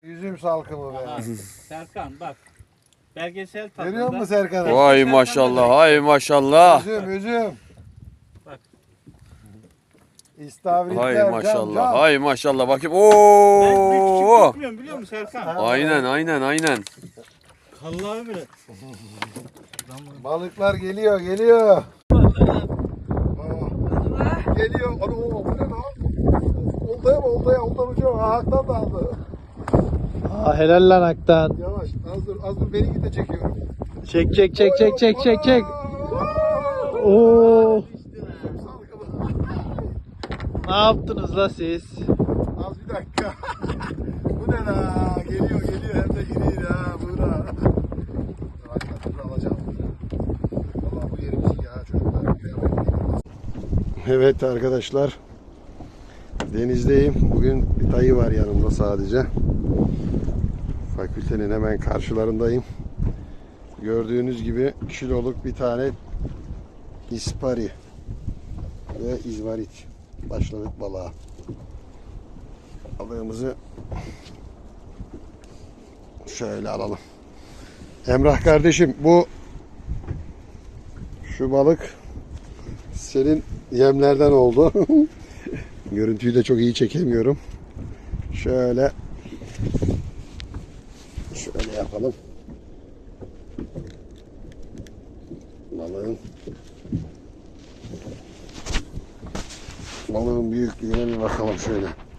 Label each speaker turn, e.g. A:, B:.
A: Üzüm salkımı be.
B: Aha, Serkan bak. Belgesel tadında.
A: Görüyor musun Serkan'ı?
C: Vay maşallah, hay maşallah.
A: Üzüm.
B: Bak.
A: İstavritler.
C: Hay maşallah,
A: cam.
C: hay maşallah. Bakayım.
B: Ben bir küçük
C: Oo!
B: tutmuyorum biliyor musun Serkan?
C: Aynen.
B: Allah'ım bile.
A: Balıklar geliyor. Geliyor. Ano bu ne lan? Oltaya mı? Oltan ucu. Ahaktan da aldı.
D: Helal lan Aktan.
A: Yavaş. Az dur. Beni git de çekiyorum.
D: Çek. Oo. Ne yaptınız la siz?
A: Az bir dakika. Bu ne la? Geliyor. Hem de iri ha. Buğra. Dur alacağım. Vallahi bu yerimiz ya çocuklar. Evet arkadaşlar. Denizdeyim. Bugün bir dayı var yanımda sadece. Fakültenin hemen karşılarındayım. Gördüğünüz gibi kiloluk bir tane ispari ve izmarit başladık balığa. Balığımızı şöyle alalım. Emrah kardeşim, şu balık senin yemlerden oldu. Görüntüyü de çok iyi çekemiyorum. Şöyle yapalım. Balığın büyüklüğüne bir bakalım şöyle.